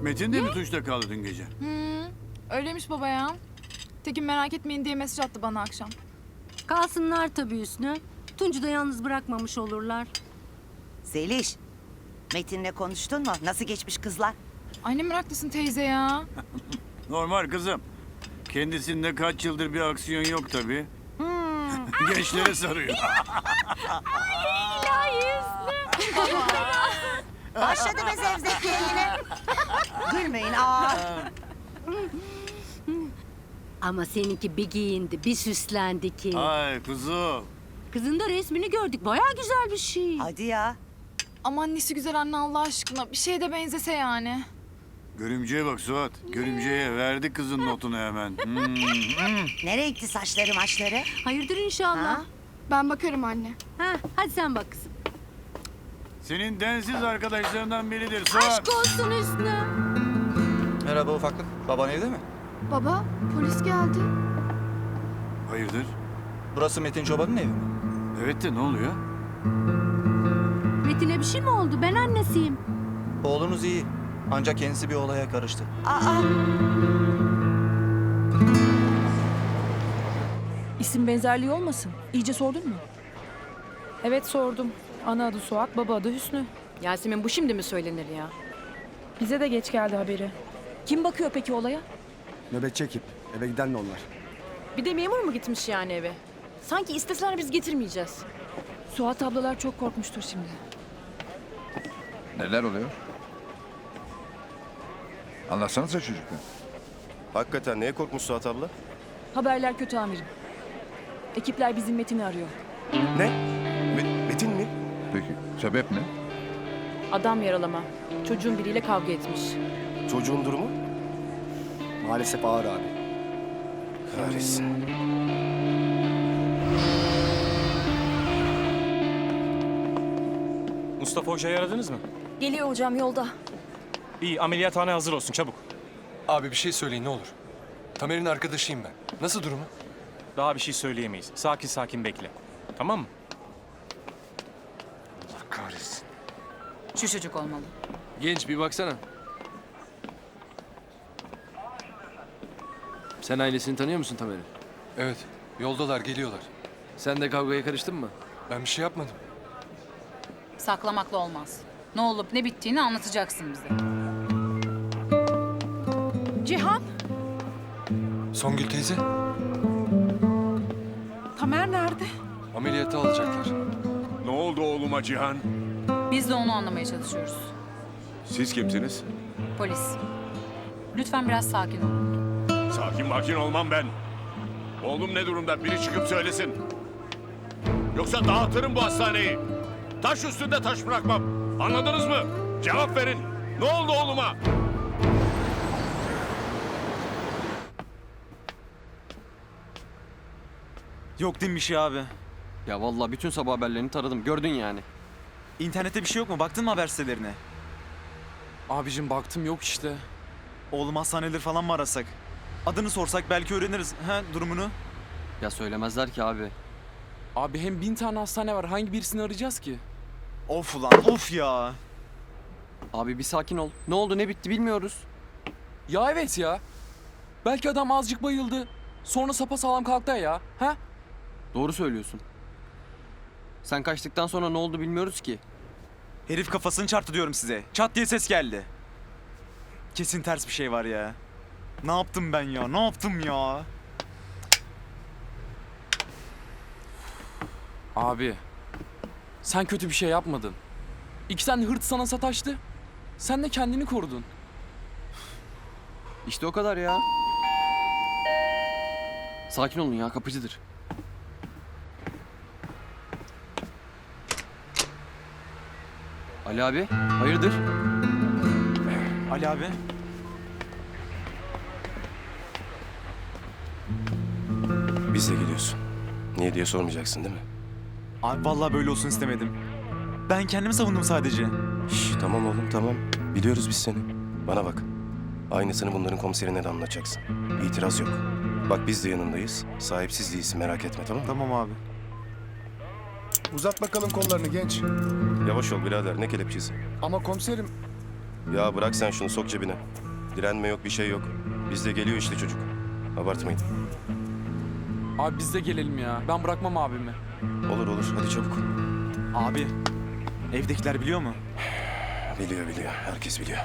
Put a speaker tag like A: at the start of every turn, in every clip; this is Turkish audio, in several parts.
A: Metin de mi Tunç'ta kaldı dün gece?
B: Öyleymiş baba ya. Tekin merak etmeyin diye mesaj attı bana akşam.
C: Kalsınlar tabii Hüsnü. Tunç'u da yalnız bırakmamış olurlar.
D: Zeliş, Metin'le konuştun mu? Nasıl geçmiş kızlar?
B: Anne meraklısın teyze ya.
A: Normal kızım. Kendisinde kaç yıldır bir aksiyon yok tabii. Gençlere sarıyor.
D: Başladı be zevzekliğe yine. Gülmeyin aa.
C: Ama seninki bir giyindi, bir süslendi ki.
A: Ay kuzum.
C: Kızın da resmini gördük. Bayağı güzel bir şey.
D: Hadi ya.
B: Ama annesi güzel anne Allah aşkına. Bir şeye de benzese yani.
A: Görümceye bak Suat. Görümceye verdi kızın notunu hemen.
D: Ne renkli saçları maçları?
C: Hayırdır inşallah.
D: Ha?
B: Ben bakarım anne.
C: Ha, hadi sen bak kızım.
A: Senin densiz arkadaşlarından biridir Suat.
C: Aşk olsun Hüsnü.
E: Merhaba ufaklık. Baban evde mi?
B: Baba polis geldi.
A: Hayırdır?
E: Burası Metin Çoban'ın evi mi?
A: Evet de ne oluyor?
C: Metin'e bir şey mi oldu? Ben annesiyim.
E: Oğlunuz iyi. Ancak kendisi bir olaya karıştı.
D: Aa,
F: İsim benzerliği olmasın? İyice sordun mu? Evet sordum. Ana adı Suat, baba adı Hüsnü.
G: Yasemin bu şimdi mi söylenir ya?
F: Bize de geç geldi haberi. Kim bakıyor peki olaya?
H: Nöbetçi ekip. Eve giden de onlar.
G: Bir de memur mu gitmiş yani eve? Sanki isteseler biz getirmeyeceğiz.
F: Suat ablalar çok korkmuştur şimdi.
I: Neler oluyor? Anlatsanıza çocuklar.
J: Hakikaten neye korkmuş Suat abla?
F: Haberler kötü amirim. Ekipler bizim Metin'i arıyor.
J: Ne? Metin mi?
I: Peki sebep ne?
G: Adam yaralama. Çocuğun biriyle kavga etmiş.
J: Çocuğun durumu?
H: Maalesef ağır abi.
J: Kahretsin.
K: Mustafa Hoca'yı aradınız mı?
F: Geliyor hocam yolda.
K: İyi, ameliyathane hazır olsun çabuk.
L: Abi bir şey söyleyin ne olur. Tamer'in arkadaşıyım ben. Nasıl durumu?
K: Daha bir şey söyleyemeyiz. Sakin sakin bekle. Tamam mı?
L: Allah kahretsin.
G: Şu çocuk olmalı.
L: Genç bir baksana. Sen ailesini tanıyor musun Tamer'in? Evet. Yoldalar, geliyorlar. Sen de kavgaya karıştın mı? Ben bir şey yapmadım.
G: Saklamakla olmaz. Ne olup ne bittiğini anlatacaksın bize.
F: Cihan,
L: Songül teyze,
F: Tamer nerede?
L: ameliyata alacaklar.
A: Ne oldu oğluma Cihan?
G: Biz de onu anlamaya çalışıyoruz.
A: Siz kimsiniz?
G: Polis. Lütfen biraz sakin olun.
A: Sakin olmam ben. Oğlum ne durumda? Biri çıkıp söylesin. Yoksa dağıtırım bu hastaneyi. Taş üstünde taş bırakmam. Anladınız mı? Cevap verin. Ne oldu oğluma?
E: Yok değil mi bir şey abi? Ya vallahi bütün sabah haberlerini taradım. Gördün yani. İnternette bir şey yok mu? Baktın mı haber sitelerine?
L: Abicim baktım yok işte.
E: Oğlum hastaneleri falan mı arasak? Adını sorsak belki öğreniriz. Durumunu. Ya söylemezler ki abi.
L: Abi hem 1000 tane hastane var. Hangi birisini arayacağız ki?
E: Of ulan of ya. Abi bir sakin ol. Ne oldu ne bitti bilmiyoruz.
L: Ya evet ya. Belki adam azıcık bayıldı. Sonra sapasağlam kalktı ya. Ha?
E: Doğru söylüyorsun. Sen kaçtıktan sonra ne oldu bilmiyoruz ki. Herif kafasını çarptı diyorum size. Çat diye ses geldi. Kesin ters bir şey var ya. Ne yaptım ben ya? Ne yaptım ya?
L: Abi. Sen kötü bir şey yapmadın. İki tane hırt sana sataştı. Sen de kendini korudun.
E: İşte o kadar ya. Sakin olun ya, kapıcıdır. Ali abi, hayırdır? Ali abi.
J: Biz de geliyorsun. Niye diye sormayacaksın değil mi?
E: Abi vallahi böyle olsun istemedim. Ben kendimi savundum sadece.
J: Şş, tamam oğlum tamam. Biliyoruz biz seni. Bana bak. Aynısını bunların komiserine de anlatacaksın. İtiraz yok. Bak biz de yanındayız. Sahipsiz değilsin merak etme tamam mı?
E: Tamam abi.
H: Uzat bakalım kollarını genç.
J: Yavaş ol birader ne kelepçesi.
H: Ama komiserim
J: Ya bırak sen şunu, sok cebine. Direnme yok, bir şey yok. Bizde geliyor işte çocuk. Abartmayın.
L: Abi biz de gelelim ya. Ben bırakmam abimi.
J: Olur olur, hadi çabuk.
E: Abi, evdekiler biliyor mu?
J: Biliyor biliyor, herkes biliyor.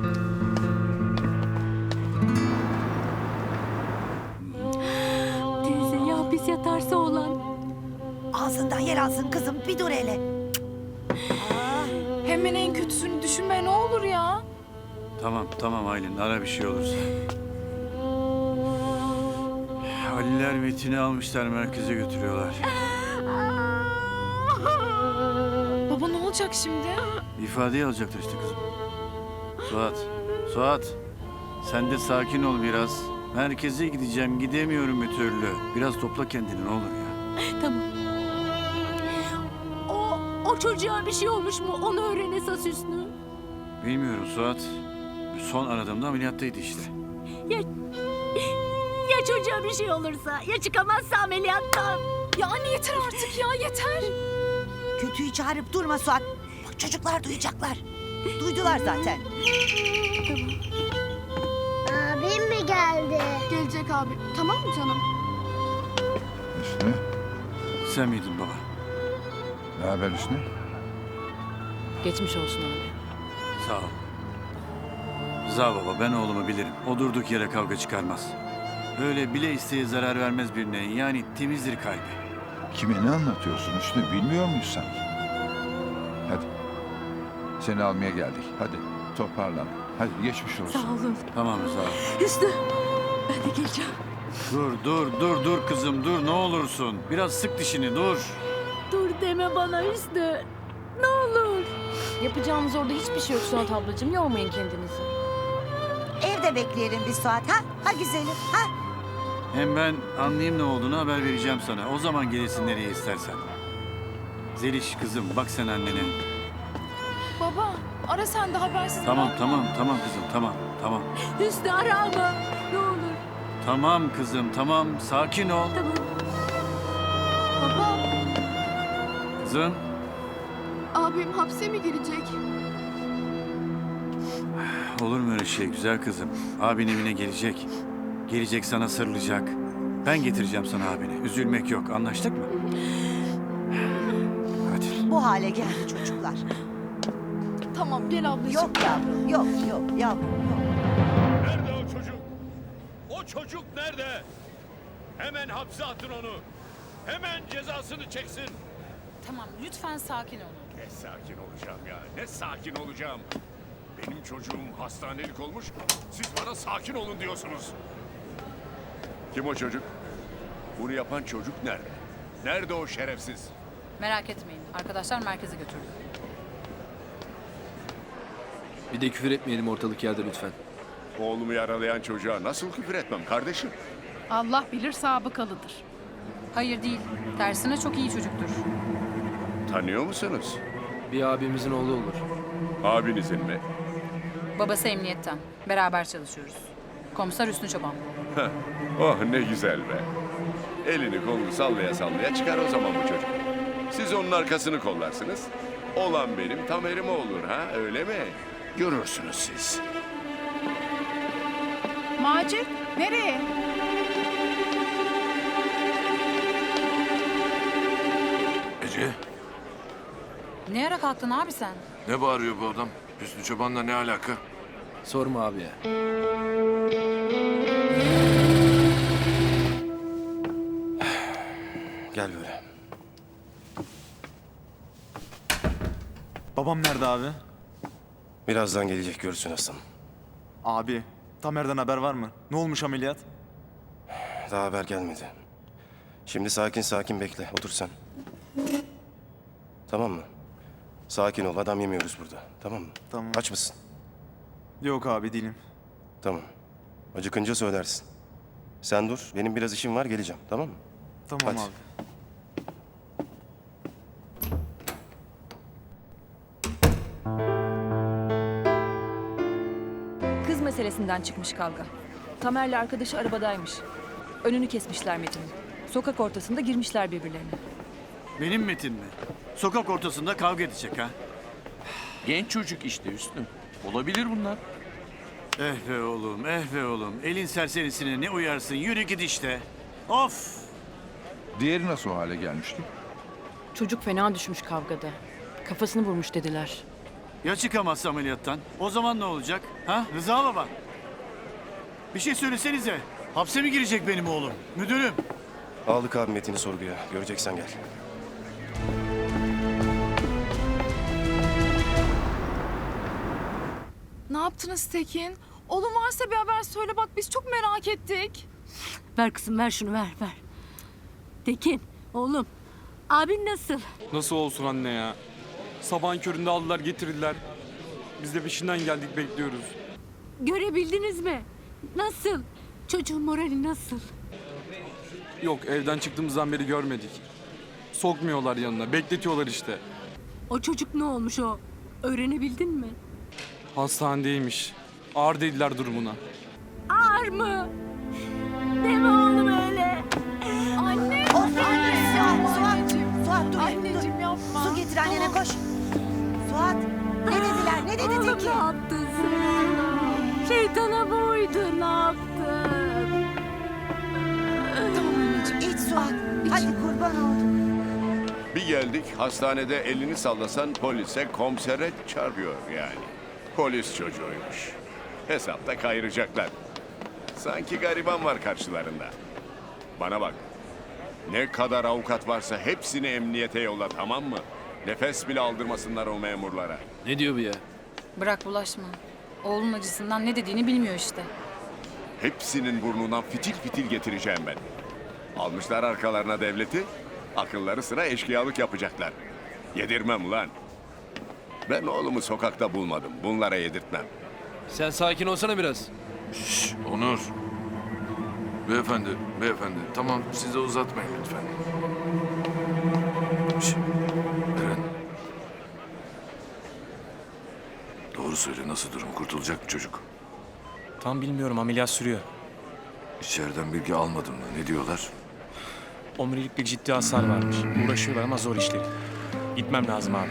C: Teyze ya hapis yatarsa olan.
D: Ağzından yer alsın kızım, bir dur hele.
B: Hemen en kötüsünü düşünme ne olur ya.
A: Tamam Aylin, ara bir şey olursa. Haliller Metin'i almışlar, merkeze götürüyorlar.
B: Baba ne olacak şimdi?
A: İfadeyi alacaklar işte kızım. Suat. Sen de sakin ol biraz. Merkeze gideceğim, gidemiyorum bir türlü. Biraz topla kendini ne olur ya.
C: Tamam. O çocuğa bir şey olmuş mu? Onu öğren esas Hüsnü.
A: Bilmiyorum Suat. Son aradığımda ameliyattaydı işte.
C: Ya çocuğa bir şey olursa? Ya çıkamazsa ameliyattan?
B: Ya anne yeter artık ya yeter.
D: Kötüyü çağırıp durma Suat. Bak çocuklar duyacaklar. Duydular zaten.
M: Abim mi geldi?
B: Gelecek abi. Tamam mı canım?
I: Hüsnü,
A: Sen miydin baba?
I: ne haber Hüsnü?
G: Geçmiş olsun abi.
A: Sağ ol. Rıza baba, ben oğlumu bilirim. O durduk yere kavga çıkarmaz. Öyle bile isteye zarar vermez birine. Yani temizdir kalbi.
I: Kime ne anlatıyorsun Hüsnü? Bilmiyor muyuz sanki? Hadi. Seni almaya geldik. Hadi toparlan. Hadi geçmiş olsun.
C: Sağ olun.
A: Tamam Rıza.
C: Hüsnü. Ben de geleceğim.
A: Dur kızım dur ne olursun. Biraz sık dişini dur.
C: Dur deme bana Hüsnü. Ne olur.
F: Yapacağımız orada hiçbir şey yok Suat ablacığım. Yormayın kendinizi.
D: Evde bekleyelim bir Suat ha? Ha güzelim ha?
A: Hem ben anlayayım ne olduğunu haber vereceğim sana. O zaman gelirsin nereye istersen. Zeliş kızım bak sen annene.
B: Baba ara sen de habersiz
A: Tamam
B: bırakma.
A: kızım tamam.
C: Hüsnü ara ama. Ne olur.
A: Tamam kızım tamam sakin ol.
C: Tamam.
B: Baba
A: Kızım.
B: abim hapse mi girecek?
A: Olur mu öyle şey güzel kızım? Abin evine gelecek. Gelecek sana sarılacak. Ben getireceğim sana abini. Üzülmek yok. Anlaştık mı? Hadi.
D: Bu hale geldi çocuklar.
B: Tamam gel ablacığım.
D: Yok yavrum, yok yavrum, yok.
A: Nerede o çocuk? O çocuk nerede? Hemen hapse atın onu. Hemen cezasını çeksin.
G: Tamam lütfen sakin olun.
A: Ne sakin olacağım ya. Ne sakin olacağım. Benim çocuğum hastanelik olmuş. Siz bana sakin olun diyorsunuz. Kim o çocuk? Bunu yapan çocuk nerede? Nerede o şerefsiz?
G: Merak etmeyin. Arkadaşlar merkeze götürdü.
L: Bir de küfür etmeyelim ortalık yerde lütfen.
A: Oğlumu yaralayan çocuğa nasıl küfür etmem kardeşim?
B: Allah bilir sabıkalıdır.
G: Hayır değil. Tersine çok iyi çocuktur.
A: Tanıyor musunuz?
L: Bir abimizin oğlu olur.
A: Abinizin mi?
G: Babası emniyetten. Beraber çalışıyoruz. Komiser Hüsnü Çoban.
A: Oh ne güzel be. Elini kolunu sallaya sallaya çıkar o zaman bu çocuk. Siz onun arkasını kollarsınız. Olan benim tam erime olur ha öyle mi? Görürsünüz siz.
B: Macit nereye?
A: Ece
G: Ne ara kalktın abi sen?
A: ne bağırıyor bu adam? Hüsnü Çoban'la ne alaka?
L: Sorma abi ya.
J: Gel böyle.
E: Babam nerede abi?
J: Birazdan gelecek, görürsün aslanım.
E: Abi, Tamer'den haber var mı? Ne olmuş ameliyat?
J: Daha haber gelmedi. Şimdi sakin bekle. Otur sen. Tamam mı? Sakin ol. Adam yemiyoruz burada. Tamam mı?
E: Tamam.
J: Aç mısın?
E: Yok abi değilim.
J: Tamam. Acıkınca söylersin. Sen dur. Benim biraz işim var. Geleceğim. Tamam mı?
E: Tamam
J: Hadi.
E: abi.
F: Kız meselesinden çıkmış kavga. Tamer'le arkadaşı arabadaymış. Önünü kesmişler Metin'in. Sokak ortasında girmişler birbirlerine.
A: Benim Metin mi? Sokak ortasında kavga edecek ha?
L: Genç çocuk işte Hüsnü. Olabilir bunlar.
A: Eh be oğlum, eh be oğlum. Elin serserisine ne uyarsın? Yürü git işte. Of!
I: Diğeri nasıl o hale gelmişti?
F: Çocuk fena düşmüş kavgada. Kafasını vurmuş dediler.
A: Ya çıkamazsa ameliyattan? O zaman ne olacak? Ha? Rıza baba. Bir şey söylesenize. Hapse mi girecek benim oğlum? Müdürüm.
J: Aldık abi Metin'i sorguya. Göreceksen gel.
B: Ne yaptınız Tekin? Oğlum varsa bir haber söyle bak biz çok merak ettik.
C: Ver kızım ver şunu ver ver. Tekin oğlum abin nasıl?
L: Nasıl olsun anne ya? Sabahın köründe aldılar getirdiler. Biz de peşinden geldik bekliyoruz.
C: Görebildiniz mi? Nasıl? Çocuğun morali nasıl?
L: Yok evden çıktığımızdan beri görmedik. Sokmuyorlar yanına bekletiyorlar işte.
C: O çocuk ne olmuş o? Öğrenebildin mi?
L: Hastanedeymiş. Ağır dediler durumuna.
C: Ağır mı? Deme oğlum öyle.
B: Anne!
D: Of anne! Suat dur.
B: Anneciğim yapma.
D: Su getir annene koş. Suat ne dediler? Ne dedi
C: Oğlum ne
D: Tekin?
C: yaptın sen? Şeytana mı uydun? Ne yaptın?
B: Tamam anneciğim.
D: İç Suat. Hadi kurban oldum.
A: Bir geldik hastanede elini sallasan polise komisere çarpıyor yani. Polis çocuğuymuş. Hesapta kayıracaklar. Sanki gariban var karşılarında. Bana bak. Ne kadar avukat varsa hepsini emniyete yolla tamam mı? Nefes bile aldırmasınlar o memurlara.
L: Ne diyor bu ya?
G: Bırak bulaşma. Oğlun acısından ne dediğini bilmiyor işte.
A: Hepsinin burnundan fitil fitil getireceğim ben. Almışlar arkalarına devleti, akılları sıra eşkıyalık yapacaklar. Yedirmem ulan. Ben oğlumu sokakta bulmadım, bunlara yedirtmem.
L: Sen sakin olsana biraz.
N: Onur. Beyefendi, beyefendi. Tamam, siz de uzatmayın lütfen. Şş, Eren. Doğru söyle, nasıl durum? Kurtulacak mı çocuk?
K: Tam bilmiyorum, ameliyat sürüyor.
N: İçeriden bilgi almadım mı? Ne diyorlar?
K: Omurilik bir ciddi hasar varmış. Uğraşıyorlar ama zor işleri. Gitmem lazım abi.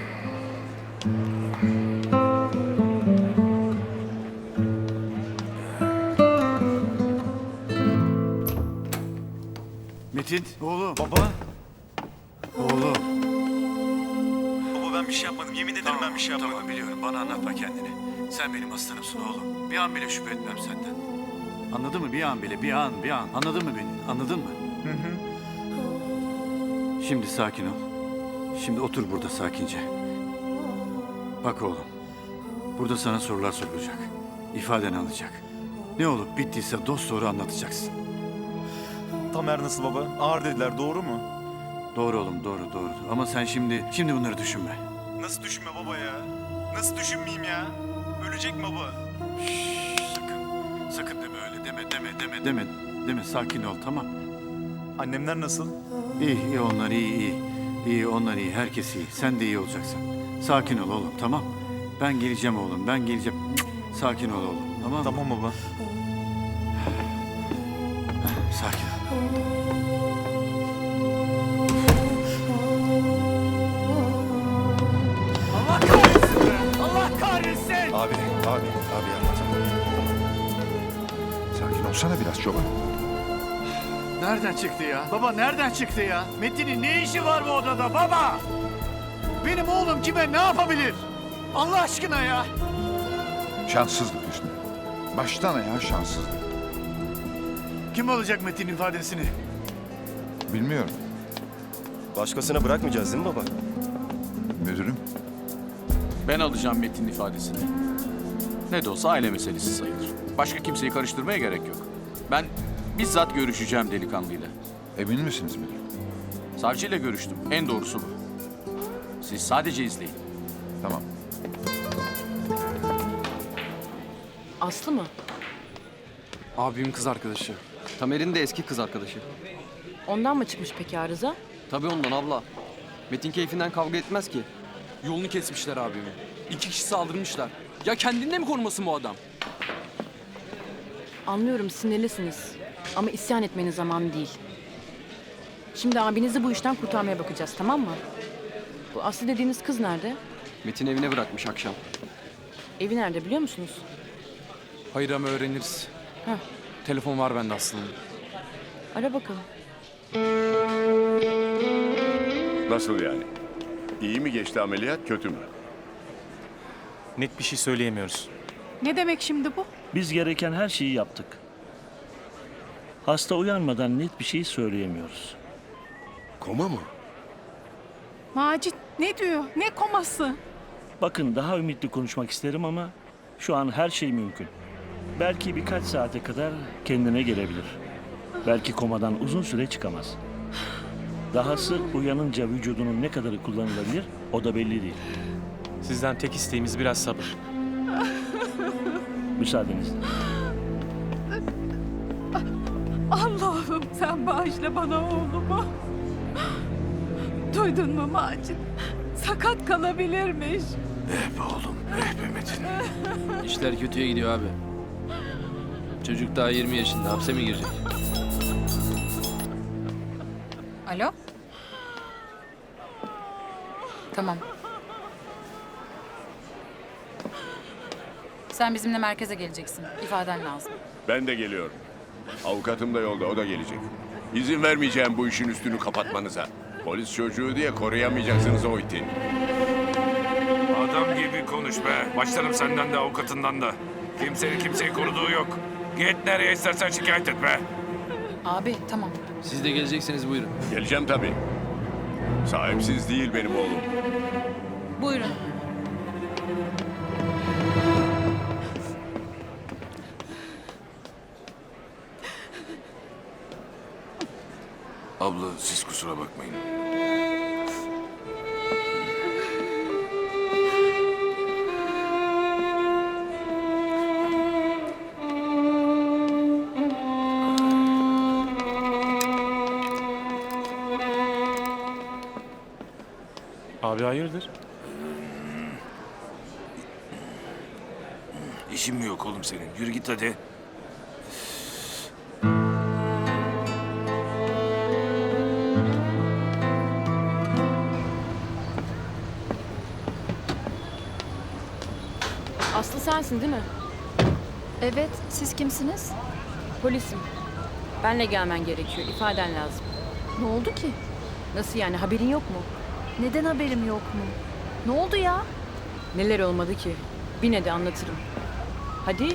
A: Metin, oğlum. Baba. Oğlum.
E: Baba ben bir şey yapmadım. Yemin ederim ben bir şey yapmadım.
A: Tamam biliyorum, bana anlatma kendini. Sen benim aslanımsın oğlum. Bir an bile şüphe etmem senden. Anladın mı? Bir an bile, bir an. Anladın mı beni? Anladın mı? Şimdi sakin ol. Şimdi otur burada sakince. Bak oğlum. Burada sana sorular sorulacak. İfaden alacak. Ne olup bittiyse dosdoğru anlatacaksın.
E: Tamer nasıl baba? Ağır dediler doğru mu?
A: Doğru oğlum, doğru. Ama sen şimdi bunları düşünme.
E: Nasıl düşünme baba ya? Nasıl düşünmeyeyim ya? Ölecek baba.
A: Sakın deme öyle. Deme. Sakin ol, tamam.
E: Annemler nasıl?
A: İyi onlar iyi. İyi onlar iyi. Herkes iyi. Sen de iyi olacaksın. Sakin ol oğlum, tamam. Ben geleceğim oğlum. Sakin ol oğlum, tamam mı?
E: Tamam baba.
A: Sakin ol. Allah kahretsin!
J: Abi anlat.
I: Sakin olsana biraz çoban.
A: Nereden çıktı ya? Baba nereden çıktı ya? Metin'in ne işi var bu odada baba? Benim oğlum kime ne yapabilir? Allah aşkına ya!
I: Şanssızlık Hüsnü. Baştan ayağa şanssızlık.
A: Kim alacak Metin'in ifadesini?
I: Bilmiyorum.
J: Başkasına bırakmayacağız değil mi baba?
I: Müdürüm.
L: Ben alacağım Metin'in ifadesini. Ne de olsa aile meselesi sayılır. Başka kimseyi karıştırmaya gerek yok. Ben bizzat görüşeceğim delikanlıyla.
I: Emin misiniz müdürüm?
L: Savcıyla görüştüm. En doğrusu bu. Siz sadece izleyin.
I: Tamam.
F: Aslı mı?
L: Abimin kız arkadaşı.
E: Tamer'in de eski kız arkadaşı.
F: Ondan mı çıkmış peki arıza?
E: Tabii ondan abla. Metin keyfinden kavga etmez ki.
L: Yolunu kesmişler abimi. 2 kişi saldırmışlar. Ya kendinde mi korumasın bu adam?
F: Anlıyorum sinirlisiniz. Ama isyan etmenin zamanı değil. Şimdi abinizi bu işten kurtarmaya bakacağız, tamam mı? Bu Aslı dediğiniz kız nerede?
E: Metin evine bırakmış akşam.
F: Evi nerede biliyor musunuz?
E: Hayır ama öğreniriz.
F: Heh.
E: Telefon var bende aslında.
F: Ara bakalım.
A: Nasıl yani? İyi mi geçti ameliyat, kötü mü?
K: Net bir şey söyleyemiyoruz.
B: Ne demek şimdi bu?
O: Biz gereken her şeyi yaptık. Hasta uyanmadan net bir şey söyleyemiyoruz.
N: Koma mı?
B: Macit ne diyor? Ne koması?
O: Bakın daha ümitli konuşmak isterim ama şu an her şey mümkün. Belki birkaç saate kadar kendine gelebilir. Belki komadan uzun süre çıkamaz. Dahası uyanınca vücudunun ne kadarı kullanılabilir o da belli değil.
K: Sizden tek isteğimiz biraz sabır.
O: Müsaadenizle.
B: Allah'ım sen bağışla bana oğlumu. Duydun mu Macit? Sakat kalabilirmiş.
N: Eh be oğlum, eh be Metin.
P: İşler kötüye gidiyor abi. Çocuk daha 20 yaşında, hapse mi girecek?
G: Alo? Tamam. Sen bizimle merkeze geleceksin. İfaden lazım.
A: Ben de geliyorum. Avukatım da yolda, o da gelecek. İzin vermeyeceğim bu işin üstünü kapatmanıza. Polis çocuğu diye koruyamayacaksınız o iti.
N: Adam gibi konuş be. Başlarım senden de avukatından da. Kimsenin kimseyi koruduğu yok. Git nereye istersen şikayet et be.
G: Abi tamam.
P: Siz de gelecekseniz buyurun.
A: Geleceğim tabii. Sahipsiz değil benim oğlum.
G: Buyurun.
N: Abla siz kusura bakmayın.
K: Abi hayırdır?
N: İşin mi yok oğlum senin? Yürü git hadi.
F: Aslı sensin değil mi?
B: Evet, siz kimsiniz?
F: Polisim. Benle gelmen gerekiyor. İfaden lazım.
B: Ne oldu ki?
F: Nasıl yani? Haberin yok mu?
B: Neden haberim yok mu? Ne oldu ya?
F: Neler olmadı ki? Bin hadi anlatırım. Hadi.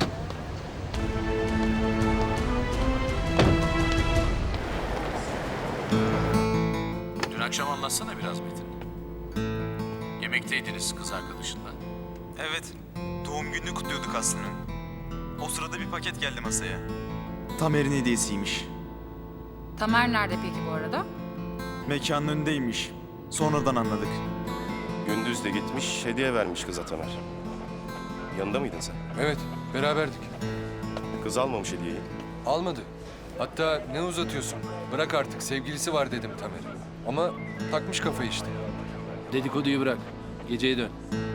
L: Dün akşam anlatsana biraz Metin. Yemekteydiniz kız arkadaşınla.
E: Evet. Doğum gününü kutluyorduk Aslı'nın. O sırada bir paket geldi masaya. Tamer'in hediyesiymiş.
G: Tamer nerede peki bu arada?
E: Mekanın önündeymiş. Sonradan anladık.
J: Gündüz de gitmiş, hediye vermiş kıza Tamer. Yanında mıydın sen?
P: Evet, beraberdik.
J: Kız almamış hediyeyi.
P: Almadı. Hatta ne uzatıyorsun? Bırak artık, sevgilisi var dedim Tamer'e. Ama takmış kafayı işte. Dedikoduyu bırak. Geceye dön.